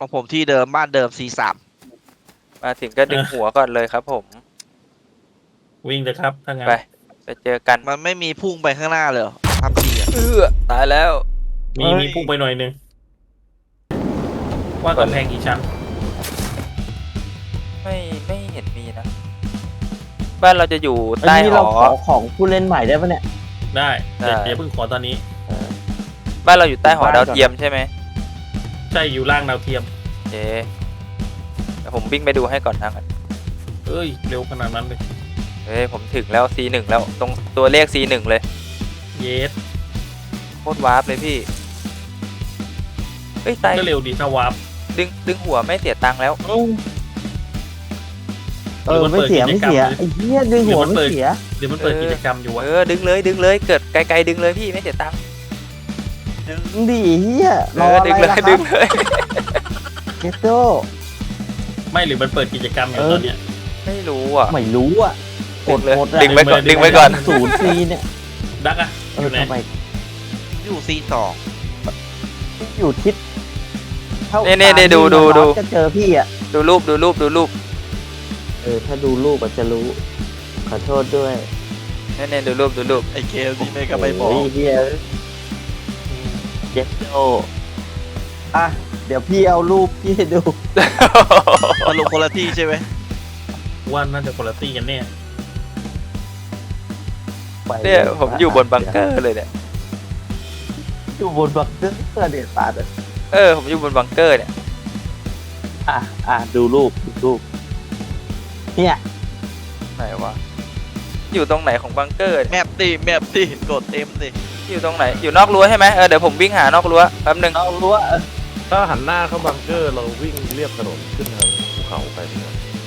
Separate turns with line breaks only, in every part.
ของผมที่เดิมบ้านเดิม C3
มาถึงก็ดึงหัวก่อนเลยครับผม
วิ่งเลยครับถ้างั้น
ไปเจอกัน
มันไม่มีพุ่งไปข้างหน้าเลยเหรอทำทีอ่ะ
ตายแล้ว
มีพุ่งไปหน่อยนึงว่ากำแพงกี่ชั้น
ไม่เห็นมีนะบ้านเราจะอยู่
อัน
ใต้
นี้
ห
เรา
อ
ขอของผู้เล่นใหม่ได้ปะเนี่ย
ได้
ได้
เดี๋ยวเพิ่งขอตอนนี้
บ้านเราอยู่ใต้หอดาวเทียมใช่ไหม
ใช่อยู่ล่างดาวเทียม
โอเคเดี๋ยวผมวิ่งไปดูให้ก่อนทางกัน
เอ้ยเร็วขนาดนั้นเลย
เฮ้ยผมถึงแล้ว C1 แล้วตรงตัวเลข C1 เลย
เยส
โคตรวาร์ปเลยพี่เฮ้ยตาย
ก็เร็วดีถ้าวาร์ป
ดึงหัวไม่เสียตังค์แล้ว
ไม่เสียไม่เสียไอ้เหี้ยดึงหัวไม่เสีย
หรือมันเปิดกิจกรรมอยู่วะ
ดึงเลยเกิดไกลๆดึงเลยพี่ไม่เสียตังค์
ดึงดิเหี้ยรออะไร
ดึงเลย
ล่ะค
ดึ
รับ
งเลย
เกตโต้
ไม่หรือมันเปิดกิจกรรมอยู่ตอนเนี้ย
ไม่รู้อ่ะ
ไม่รู้อ่ะกดหมดอะ
ดึงไว้ก่อนดึงไว้ก่อน
ศูนย์ซีเนี่ย
ดักอะอยู่ไหน
ทำไม
อยู่ C2
อยู่ทิศท่า
นี่ดู
จะเจอพี่อ่ะ
ดูรูป
ถ้าดูรูปอาจจะรู้ขอโทษด้วย
นี่ดูรูป
ไอเกมนี่ไม่ก็ไม่บอก
โยเหี้ยเกตโต้อ่ะเดี๋ยวพี่เอารูปพี่ให้ดู
มันลงคนละที่ใช่ไหม
ว่าน่าจะคุณภาพกันแน่
ไป
เนี่ยผมอยู่บนบังเกอร์เลยเนี่ย
อยู่บนบังเกอร์เด็ดปาดเลย
ผมอยู่บนบังเกอร์เนี่ย
ดูรูปเนี่ย
ไหนวะอยู่ตรงไหนของบังเกอร์
แม
เนี่ย
ปดิกดเต็มดิ
อยู่ตรงไหนอยู่นอกรั้วใช่ไหมเดี๋ยวผมวิ่งหานอกรั้วแป๊บนึง
เอารู้ว่า
ถ้าหันหน้าเข้าบังเกอร์เราวิ่งเรียบถนนขึ้นทางภูเขาไปเนี่ย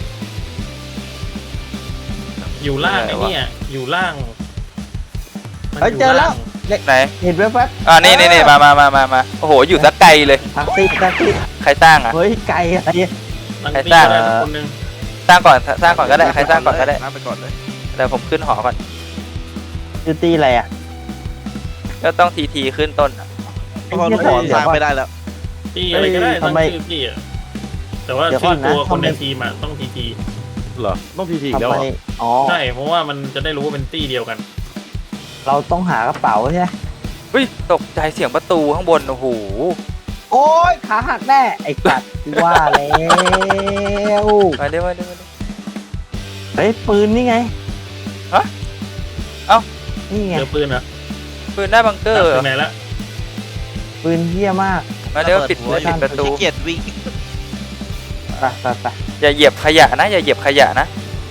อยู่ล่างไอ้เนี่ยอยู่ล่างมัน
เฮ้ย
ยู่
เจอแล้ว
าง
ไหน
เห็นแว๊บ
นี่มาโอ้โหอยู่สักไกลเลย
ๆทักซี่
ใครสร้างอ่ะ
เฮ้ยไกลอะไร
ลัง
ใคร
ตี
สร้าง
ได้คนนึง
สร้างก่อนก็ได้ใครสร้างก่อนก็ได้
น้ำไปก่อนเลย
เดี๋ยวผมขึ้นหอก่อน
คือตีอะไรอ่ะ
ก็ต้องทีขึ้นต้นอ่ะ
เพราะลูกหัวสร้างไม่ได้แล้ว
ตีอะไรก็ได้
ทำ
ตั้ง
ไม
ชื่อพี่อะแต่ว่า
เดี๋ยวก่
ชื่
อน
อ
นะ
ตัวคนใน
ทำไม
ทีมอะต้องที
เหรอต้องทีอีก
ทำ
แล้ว
ไม
เหรอ
อ๋อ
ใช่เพราะว่ามันจะได้รู้ว่าเป็นตี้เดียวกัน
เราต้องหากระเป๋าใช่ไหม
เฮ้ยตกใจเสียงประตูข้างบนโอ้โห
โอ้ยขาหักแน่ไอ้กัดว่าแล้ว
มาเร็ว
เฮ้ยปืนนี่ไง
ฮะเอ้า
นี่ไง
เจอปืนเหรอ
ปืนหน้าบังเกอ
ดั
ร์
กถึงไหนละ
ปืนเหี้ยมาก
มาเร็วปิดประตู
ขี้เกียจวิ่ง
ไป
อย่าเหยียบขยะนะอย่าเหยียบขยะนะ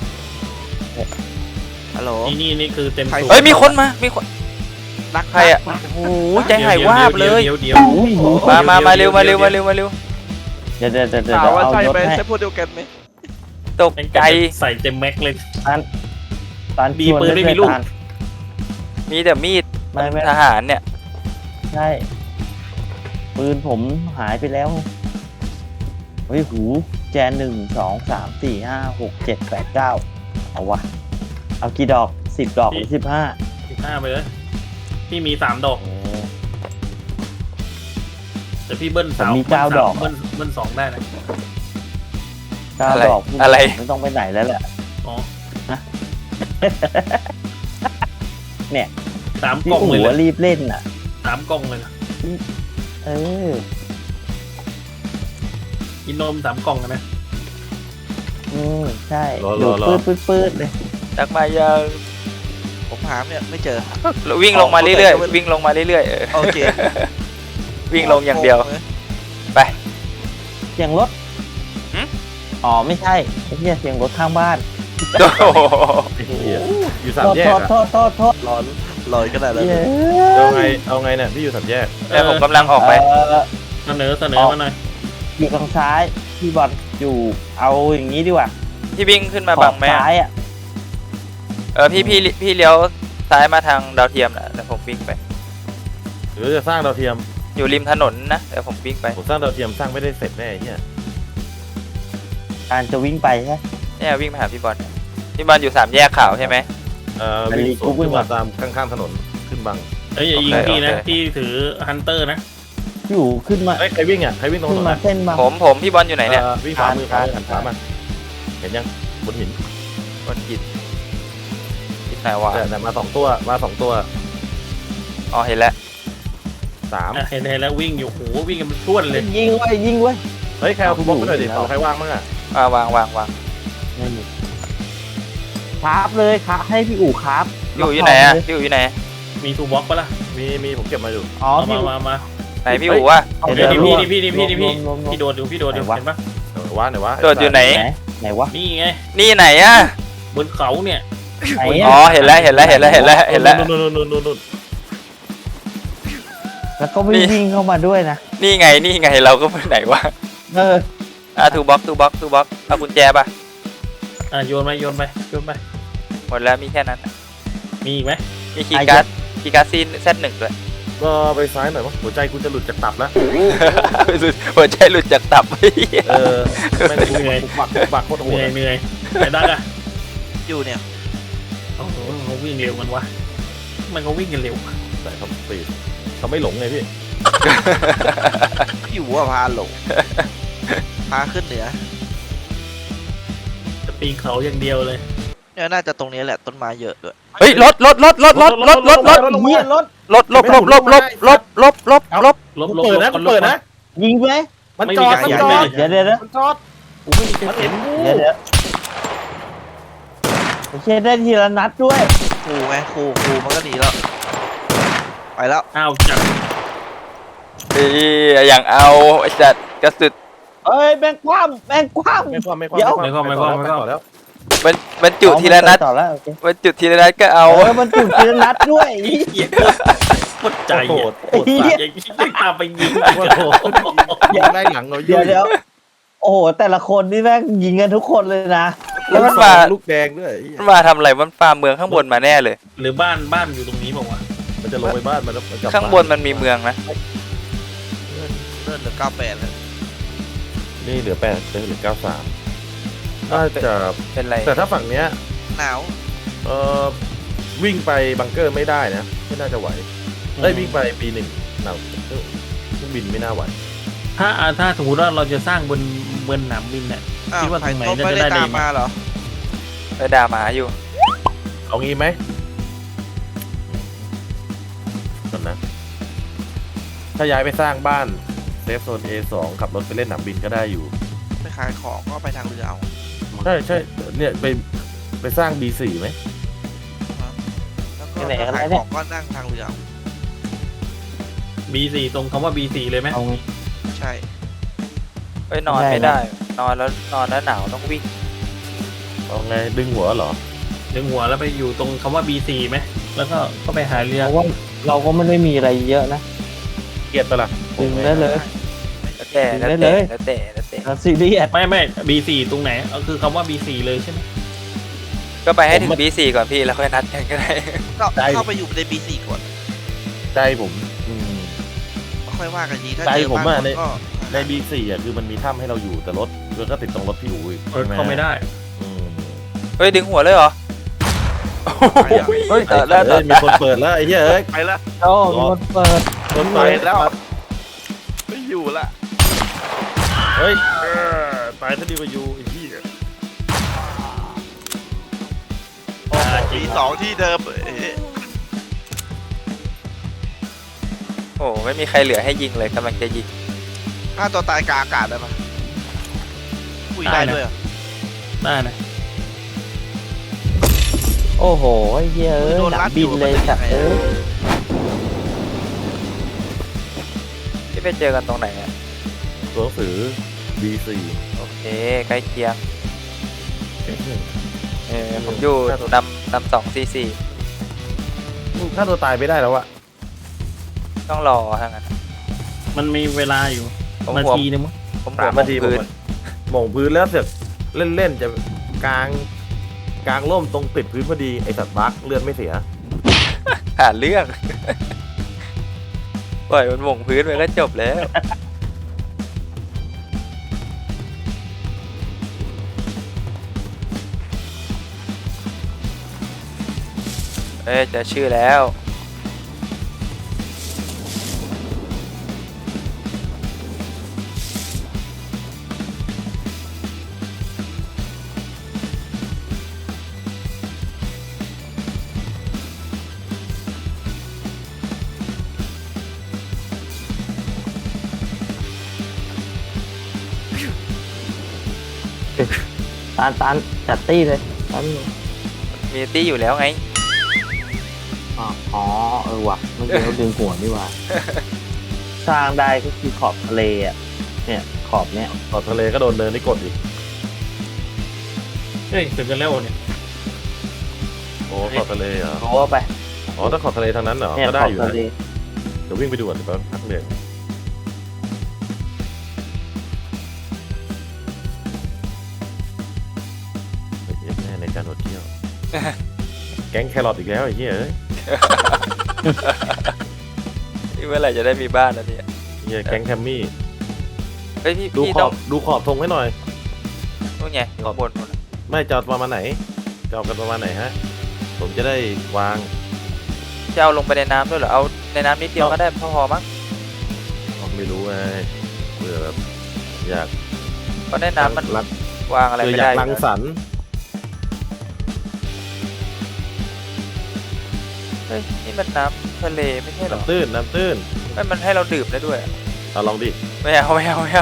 ฮัลโหล
นี่คือเต็มสู
เฮ้ยมีคนมา
นัก
ใครอ่ะโอ้โหใจหายวาบเลย
เดี๋ยว
อุ้ย
มาเร็ว
เดี๋ยว
ถามว่า
เอา
ใช่
รถ
ไหม
ให้
ใช่พวกเดียวกันไหม
ตกใจ
ใส่เต็มแม็กเลย
ตอน
มีปืนไม่มีลูก
มีแต่มีด
ไม่
ทหารเนี่ย
ใช่ปืนผมหายไปแล้วเฮ้ยหูแจน1 2 3 4 5 6 7 8 9เอาวะเอากี่ดอก10 ดอกหรือ15
15ไปเลยพี่มี3 ดอกแต่พี่เบิ้ล
ผมมี9 ดอก
เบิ้ล2ได้นะ
9 ดอก
อะไร
ไม่ต้องไปไหนแล้วแหละ
อ๋อ
เนี่ย
3
พี่
กล่อง
อู๋
เลย
รีบเล่นอ่ะ
3 กล่องเลยนะ
เออ
กินนม3 กล่องนะ
ใช่อยู่ปืดเลย
จักมายัง
ผมหาเนี่ยไม่เจอ
วิ่งลงมาเรื่อยๆวิ่งลงมาเรื่อยๆ
โอเค
วิ่งลงอย่างเดียว
เสียงรถ
หึ
อ๋อไม่ใช่ไอ้เหี้ยเสียงรถข้างบ้าน
โอ้โห
ไอ้เหี้ยอยู่สามแยกอะ
โทษ
ร้อนลอยขนาดนั้น
เย้
เอาไงเนี่ยพี่อยู่สามแยก
แต่ผมกำลังออกไป
เสนอมาหน่อย
อยู่ทางซ้ายพี่บอลอยู่เอาอย่างนี้ดีกว่า
พี่วิ่งขึ้นมาบังไหม
ซ้ายอ่ะ
พี่เลี้ยวซ้ายมาทางดาวเทียมนะแต่ผมวิ่งไป
หรือจะสร้างดาวเทียม
อยู่ริมถนนนะแต่ผมวิ่งไป
ผมสร้างดาวเทียมสร้างไม่ได้เสร็จแน่ไอ้เนี่ย
การจะวิ่งไปใช่ไหม
เนี่ยวิ่งมาหาพี่บอลอยู่3 แยกข่าวใช่ไหม
วิ่งสวน
วิ่
ขึ้
ง
น
มา
มาตามข้างๆถนนขึ้นบัง
อย่ายิง
โอเค
พี่นะ
โอเค
พี่ถือฮันเตอร์นะ
พี่อู๋ขึ้นมา
เฮ้ยใครวิ่งอ่ะใครวิ่งตรง
ขึ้
ถ
น
นน
มา
อะ
เส้นมา
ผมพี่บอลอยู่ไหนเนี่ย
วิ่งขวามือหันขวามาเห็นยังบนหิน
บนหินหินไหนวะ
แต่มาสองตัว
อ๋อเห็นแล้ว
สาม
เห็นแล้ววิ่งอยู่โหวิ่งกันเป็นพรวดเลย
ยิงไว้ยิงไว้
เฮ้ยใครเอาทูบ็อกไปหน่อยดิใครว่างมั้งอ่ะ
วาง
ไม่มีคราฟเลยครับให้พี่อู๋คราฟ
พี่อู๋อยู่ไหนอะพี่อู๋อยู่ไหน
มีทูบ็อกปะล่ะ
มีผมเก็บมาอยู่
อ๋อ
เอา
พี่
มา
ไหนพี่อู๋วะ
เอา
เดี๋ยว
เดี๋ยว
นี่พี่
รวม
พี่โดดอยู่เห็นปะ
ไหนวะ
โดดอยู่ไหน
ไหนวะ
นี่ไง
นี่ไหนอะ
บนเขาเนี่ย
ไหน
อ๋อ
อะ
เห็นแล้ว
นู่น
แล้วก็วิ่งเข้ามาด้วยนะ
นี่ไงเราก็ไปไหนวะ
เออ
ทูบ็อกเอากุญแจป่ะ
โยนไป
หมดแล้วมีแค่นั้น
มีอีกไหม
มีคีย์การ์ดซีนเซตหนึ่งด้วย
ก็ไปซ้ายหน่อยวะหัวใจกูจะหลุดจากตับแล้ว
หัวใจหลุดจากตับ
แม่งกูบักโคตรโห
เห
ด
นื่อยไอ้ดักอะ
อยู่เนี่ย
โอ้โหเขาวิ่งเร็วมันวะมันก็วิ่งกันเร็ว
แต่เขาปีดเขาไม่หลงไงพี่
พี่อู๋อะพาหลงพาขึ้นเหนือ
จะปีนเขาอย่างเดียวเลย
เนี่ยน่าจะตรงนี้แหละต้นไม้เยอะด้วย
เฮ้ยรถ
เฮียรถ
ลบ
ลบ
เปิดนะเปิดนะ
ยิงไหม
มันจอด
เดี๋ยว
มันจอด
กูไม่มีใครเห็น
เดี๋ยวโอเคได้ทีละนัดด้วย
ครูไงครูมันก็หนีแล้วไปแล้ว
อ้าวจับ
อย่างเอาไอ้จัดกระสุด
เอ้ยแม่งคว่ำ
ไม่ความ แล้ว
บรรจุทีละนัด
ต่อแล้วโอเค
บรรจุทีละนัดก็เอา
มันจุดทีละนัดด้วย
เหี้ยโคตรใจ
โห
อ่ะ
ด
ยังตามไปยิง
ยิงได้หลังเรา
เดี๋ยวโอ้โหแต่ละคนนี่แม่งยิงกันทุกคนเลยนะ
แล้วมันมา
ลูกแดงด้วย
มันมาทำอะไรมันฟาร์มเมืองข้างบนมาแน่เลย
หรือบ้านอยู่ตรงนี้บอกว่าวะ
มันจะลงไปบ้านมัน
ข้างบนมันมีเมืองนะ
เลื่อนเหลือ98แล้ว
นี่เหลือ8เหลือ93น่าจะ
เป็นไร
แต่ถ้าฝั่งเนี้ย
หนาว
วิ่งไปบังเกอร์ไม่ได้นะไม่น่าจะไหวได้วิ่งไปปีหนึ่งหนาวเครื่องบินไม่น่าไหว
ถ้าสมมติว่าเราจะสร้างบนสนามบินเนี่ย
อ้าว
คิดว่า
ใคร
ตรงไหน
ต้อง
น่า
ไม่
จะ
ได้
ได้
ตา
ดี
ม
ไหม
มาเหรอ
ไปด่าหมาอยู่
เอางี้ไหมก่อนนะถ้าย้ายไปสร้างบ้านเซฟโซน A2 ขับรถไปเล่นหนามบินก็ได้อยู่
ไปขายของก็ไปทางเรือเอา
ใช่เนี่ยไปสร้าง B4 ไหม
แล้วก็ถ้าขายของก็นั่งทางเรือเอา
B4 ตรงคำว่า B4 เลยไหม
เอา
ใช่
เฮ้ยนอนไม่ได้ นอนแล้วหนาวต้องวิ่ง
เอาไงดึงหัวเหรอ
ดึงหัวแล้วไปอยู่ตรงคำว่า B4 ไหมแล้วก็ไปหาเรือ
เพราะว่าเราก็ไม่ได้มีอะไรเยอะนะ
เกลียดไปะละ
ดึงได้เลย
แล้วแต่
เราซีเรียส
ไม่ B4 ตรงไหนคือคำว่า B4 เลยใช่ไหม
ก็ไปให้ถึง B4 ก่อนพี่แล้วค่อยนัดกันก็ได้
ก็เข้าไปอยู่ใน B4 ก่อน
ใจผม
ค่อยว่ากันทีถ้า
ใจ
เจอ
ผม
บาง
อะ
คนก็
ใน B4 อ่ะคือมันมีถ้ำให้เราอยู่แต่รถมันก็ติดตรงรถพี่อู๋อีก
เข้าไม่ได้
อืม
เฮ้ยดึงหัวเลยเหรอ
ไปแล้ว
เฮ้ย
เอ้ยมีคนเปิดแล้วไอ้เหี้ยเอ้ย
ไปแล้ว
โอ้มีคนเปิด
คน
ไป
เปิด
แล้วไม่อยู่ละ
เฮ้ยตายซะดีกว่าอยู่ไอ้เหี้ย
โอ้โหB2ที่เดิมเอ๊ะ
โอ้ไม่มีใครเหลือให้ยิงเลยกำลังจะยิง
ฆ่าตัวตายกลางอากาศได้ปะคุยได้ด้วยเหรอ
ได้นะ
โอ้โหไอ้เหี้ยเอ้ยหนักบินเลยสัตว์เอ้ย
ที่ไปเจอกันตรงไหนอ่ะ
ตัวหนังสือ B4
โอเคใกล้เคียงผมอยู่นำ244
ถ้าตัวตายไม่ได้แล้วอะ
ต้องรอทางนั้น
มันมีเวลาอยู่
ผม
นา
หัว
ทีนึงมั้ง
ผมหัว
3 นาทีผม
พื้น
หม่งพื้นแล้วเสือกเล่นจะกลางร่มตรงติดพื้นพอดีไอสัตว์บั๊กเลือดไม่เสีย
หาเรื่อง ปล่อยมันหม่งพื้นไปก็จบแล้ว เจะชื่อแล้ว
ตันจัดตี้เลยตัน
มีตี้อยู่แล้วไง
อ๋อว่ะเมื่อกี้เขาดึงหัวนี่ว่า สร้างได้ก็คือขอบทะเลอ่ะเนี่ยขอบเนี้ย
ขอบทะเลก็โดนเนินนี่กดอีก
เฮ้ยถึงกันแล้วเนี่ย
โอ้ขอบทะเลเหรอ
โอ้ไป
อ๋อถ้าขอบทะเลทางนั้นเหรอ
เนี่ย
ก็
ข
ได้
อบ
อยู่
ทะ
นะ
เล
เดี๋ยววิ่งไปดูก่อนเดี๋ยวแป๊บพักเรียนแน่ในการหดเที่ยว แก๊งแครอทอีกแล้วไอ้เหี้ยเอ้ย
นี่เมื่อไหร่จะได้มีบ้านแล้วเนี่ย
เหี้ยแก๊งแคมมี่
เฮ้ยพี่
ดู
พี่
ข
ต้
อ
อง
บดูขอบธงให้หน่อย
นู่นไงอยู่ข้างบนนู่นน่ะ
ไม่จอดประมาณไหนจอดกันประมาณไหนฮะ ผมจะได้วาง
จะเอาลงไปในน้ำด้วยเหรอเอาในน้ำนิดเดียวก็ได้พอมั้ง
ไม่รู้ไงเผื่อแบบอยาก
เพราะในน้ำมัน
รัก
วางอะไร
เผื่อ
ไม่
อยา
ได้
กรังสรรค์
เฮ้ยนี่มันน้ำทะเลไม่ใช่เหรอ
น้ำตื้นน้ำตื้น
ไม่มันให้เราดื่มได้ด้วยอะ
เอาลองดิ
ไม่เอา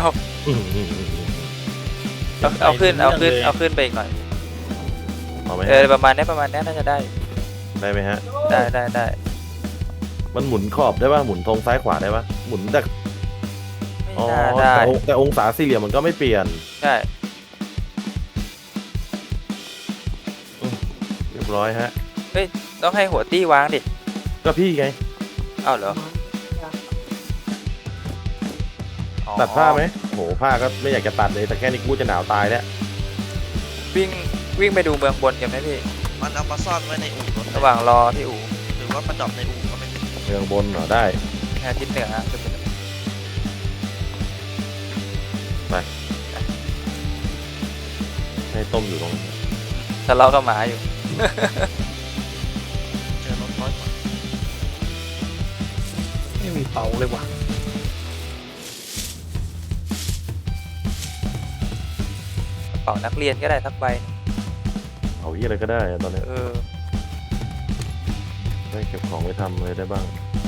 เอาขึ้นไปอีกหน่อย
เอาไหม
เอ
ฮะ
อประมาณนี้น่าจะได้
ได้ไหมฮะ
ได้
มันหมุนขอบได้ป่ะหมุนธงซ้ายขวาได้ป่ะหมุนแต่
ไม่
อ๋อ
น่าได้
แต่องศาสี่เหลี่ยมมันก็ไม่เปลี่ยน
ใช่
เรียบร้อยฮะ
ต้องให้หัวตี้วางดิ
ก็พี่ไง
เอ้าเหรออ๋อ
ตัดผ้าไหมโหผ้าก็ไม่อยากจะตัดเลยแต่แค่นี้กูจะหนาวตายแล้ว
วิ่งไปดูเมืองบนกันไหมพี่
มันเอามาซ่อนไว้ในอู่รถ
ระหว่างรอที่อู่
หรือว่าประจอบในอู่ก็ไม่เป็น
เมืองบนเหรอได้
ทิศเหนือฮะขึ้นไปเลย
ให้ต้มอยู่ตรงนี้
ทะเลาะกับหมาอยู่
เจอรถร้อยกว่า
ไม่มีเป๋าเลยว่ะ
กระเป๋านักเรียนก็ได้สักใบ
เอาที่อะไรก็ได้ตอนนี้
เออ
ได้เก็บของไปทำอะไรได้บ้าง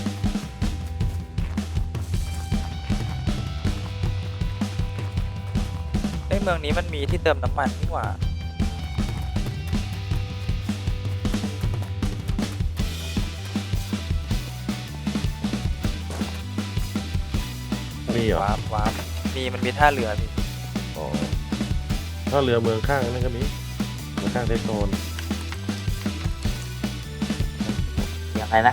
ไอ้เมืองนี้มันมีที่เติมน้ำมันนี่หว่า
มีเหรอ
วาร์ปมันมีท่าเรือพี่
อ๋อถ้าเรือเมืองข้างนั่นก็มีเมืองข้างเทคโนน
ยังไงนะ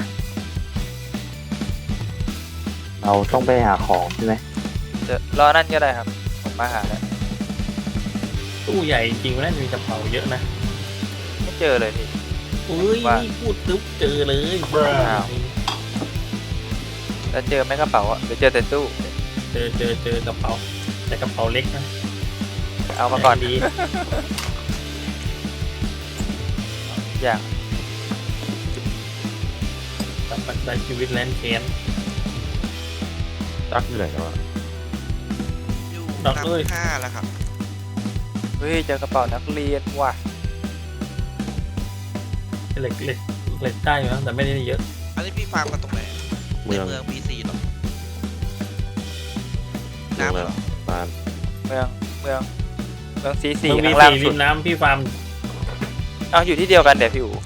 เราต้องไปหาของใช่ไหม
รอนั่นก็ได้ครับผมมาหาแล้ว
ตู้ใหญ่จริงๆแล้วมีกระเป๋าเยอะนะ
ไม่เจอเลยพี่
อุ้ย
ว่า
พูดตึ๊บเจอเลย
อ้าว แล้วเจอไหมกระเป๋าอ่ะหรือเจอแต่ตู้
เจอกระเป๋าแต่กระเป๋าเล็กนะ
เอามาก่อน
ดี
อย่าง
ตัดปัจจัยชีวิตแลนด์แคน
ตักอยู่ไหนกันวะ
อยู่
ดอกเอ้ย
น้ำห้าแล้วครับ
เฮ้ยเจอกระเป๋านักเรียนว่ะ
เหล็กได้อยู่นะแต่ไม่ได้เยอะ
อันนี้พี่ฟาร์มกันตรงไหนใน
เมือง
เมือง BC หรอ
เมือง
น้ำ
อะไร
เหรอ
ปาน
เมืองซีซี
มันมี
ข้างล่าง
สีริ
สุด
มน้ำพี่ฟาร์ม
เอาอยู่ที่เดียวกันเดี๋ยวพี่อู๋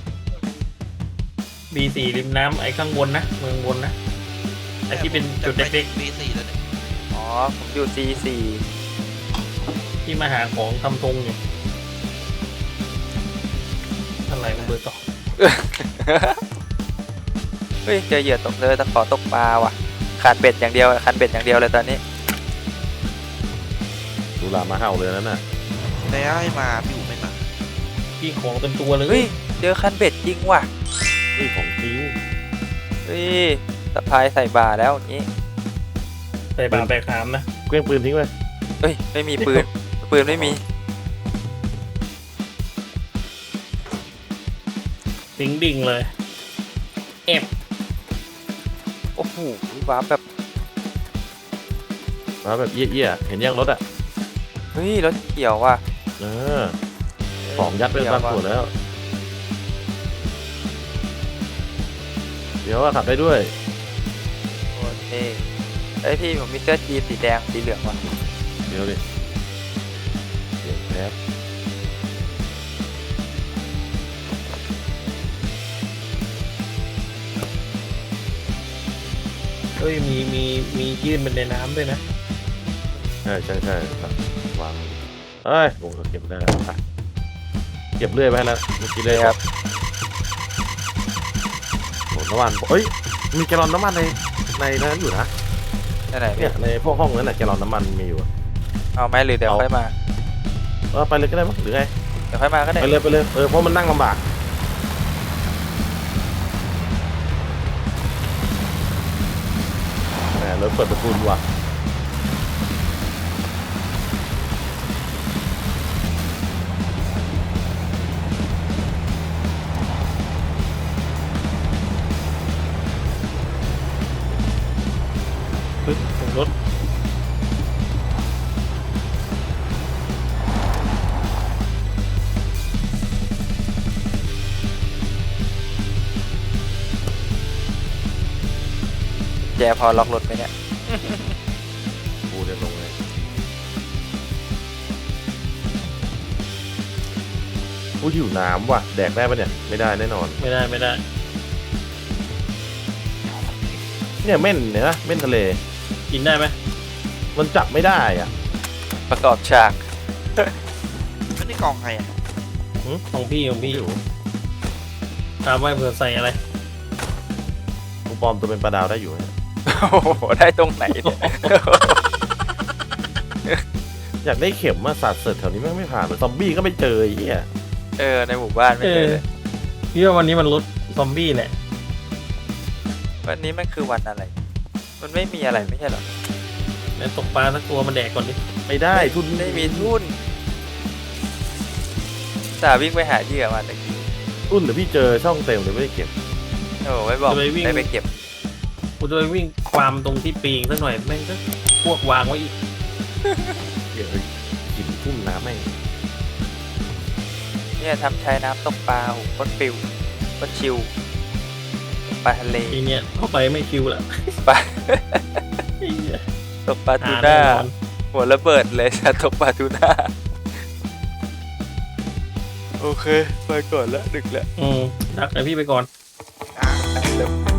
B4 ริมน้ำไอ้ข้างบนนะเมืองบนนะไอ้ที่เป็นจุดเล็ก
BC แล้วเนี่ย
อ๋อผมอยู่ซีซี
ๆที่มาหาของทำธงอยู่อะไรมันเบอร์ต่อ
เฮ้ยเจอเหยื่อตกเลยตะขอตกปลาว่ะขาดเบ็ดอย่างเดียวคันเบ็ดอย่างเดียวเลยตอนนี้
ดูลามาเห่าเลยนั่นน่ะ
แล้วให้มาพี่อู๋ไม่มา
พี่ของเต็มตัวเลย
เฮ้ยเจอคันเบ็ดจริงว่ะ
เฮ้ยของจริง
เฮ้ยสะพายใส่บาแล้วอย่างนี้
ใส่บาแบกหามนะ
เครื่องปืนทิ้งไป
เฮ้ยไม่มีปืน ไม่มี
ดิ่งเลยเอฟ
โอ้โหว้าร์ปแบบ
มาแบบเอี้ยๆเห็นยังรถอ่ะ
เฮ้ยรถเขียวว่ะ
เออของยัดไปบางส่วนแล้ว เดี๋ยวขับได้ด้วย
โอเคเฮ้ยพี่ผมมีเสื้อจีนสีแดงสีเหลืองว่ะ
เดี๋ยวดิเปลี่ยนใจแล้ว
เฮ้ยมียื่นเป็นในน้ำด้วยนะ
ใช่ครับวางเอ้ยผมก็เก็บได้แล้วไปเก็บเรื่อยไปแล้วเมื่อกี้เลยครับโอ้น้ำมันเฮ้ยมีแกลลอนน้ำมันในนั้นอยู่นะ
ที่ไหน
เนี่ยในพวกห้องนั้นแหละแกลลอนน้ำมันมีอยู่
เอาไหมหรือเดี๋ยวค่อยมา
ไปเลยก็ได้มั้งหรือไง
เดี๋ยวค่อยมาก็ได้
ไปเลยเพราะมันนั่งลำบากแหมรถเปิดประตูว่ะ
เฮ้ยถึงรถ
แจพอล็อกรถไปเนี่ย
กูเดินลงเลยกูหิวน้ำว่ะแดกได้ปะเนี่ยไม่ได้แน่นอน
ไม่ได้
เนี่ยเม่นเนี่ยนะเม่นทะเล
กินได้ไหม
มันจับไม่ได้อ่ะ
ประกอบฉาก
ไม่ได้กองใครอ่ะ
ของพี่อยู่ตามไว้เผื่อใส่อะไร
กูปลอมตัวเป็นปลาดาวได้อยู่เนี่ย
โอ้โหได้ตรงไหนเนี่ย
อยากได้เข็มมาสาดเสร็จแถวนี้แม่งไม่ผ่านเลยซอมบี้ก็ไม่เจอไอ้เหี้ย
ในหมู่บ้านไม่เจอเลย
พี่ว่าวันนี้มันลดซอมบี้แหละ
วันนี้มันคือวันอะไร มันไม่มีอะไรไม่ใช่เหรอ
แล้วตกปลาสักตัวมันแดกก่อนดิ
ไม่ได้ทุน
ไม่มีทุนสาวิ่งไปหาเหยื่อมาตะกี้
ทุนเดี๋ยวพี่เจอช่องเต็มเลยไม่ได้เก็บ
โอ้ไม่บอกได้ไปเก็บ
กูจะไปวิ่งความตรงที่ปีงสักหน่อยแม่งก็พวกวางไว้อีก
เดี๋ยวกินทุ่มน้ำแม่ง
เนี่ยทำชายน้ำตกปลาโหโคตรฟิวโคตรชิลปลาทะเล
ทีเนี้ยเข้าไปไม่คิวละ
ปลา
ไอ้เหี้ย
ตกปลาทู
หา
น่า
แน่นอน
หัวระเบิดเลยจะตกปลาทูน่าโอเคไปก่อนแล้วดึกแล้ว
ดักไอพี่ไปก่อน
อ่ะ
เริ่ม